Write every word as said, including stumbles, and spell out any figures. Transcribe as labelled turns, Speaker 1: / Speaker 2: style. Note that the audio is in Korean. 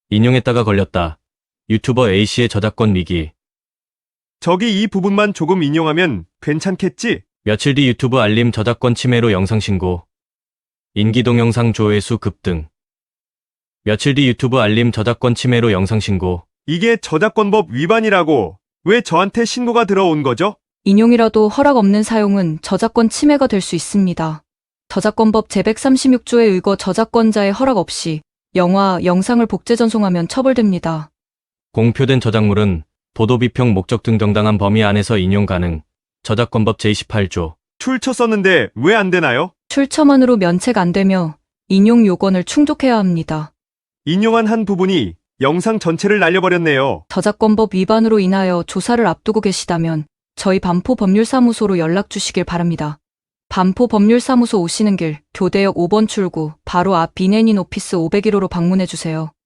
Speaker 1: 인용했다가 걸렸다. 유튜버 A씨의 저작권 위기.
Speaker 2: 저기 이 부분만 조금 인용하면 괜찮겠지?
Speaker 1: 며칠 뒤 유튜브 알림 저작권 침해로 영상 신고. 인기 동영상 조회수 급등. 며칠 뒤 유튜브 알림 저작권 침해로 영상 신고.
Speaker 2: 이게 저작권법 위반이라고 왜 저한테 신고가 들어온 거죠?
Speaker 3: 인용이라도 허락 없는 사용은 저작권 침해가 될 수 있습니다. 저작권법 제백삼십육 조에 의거 저작권자의 허락 없이 영화, 영상을 복제 전송하면 처벌됩니다.
Speaker 1: 공표된 저작물은 보도 비평 목적 등 정당한 범위 안에서 인용 가능. 저작권법 제이십팔 조.
Speaker 2: 출처 썼는데 왜 안 되나요?
Speaker 3: 출처만으로 면책 안 되며 인용 요건을 충족해야 합니다.
Speaker 2: 인용한 한 부분이 영상 전체를 날려버렸네요.
Speaker 3: 저작권법 위반으로 인하여 조사를 앞두고 계시다면 저희 반포법률사무소로 연락 주시길 바랍니다. 반포법률사무소 오시는 길 교대역 오 번 출구 바로 앞 비네닌 오피스 오백일 호로 방문해 주세요.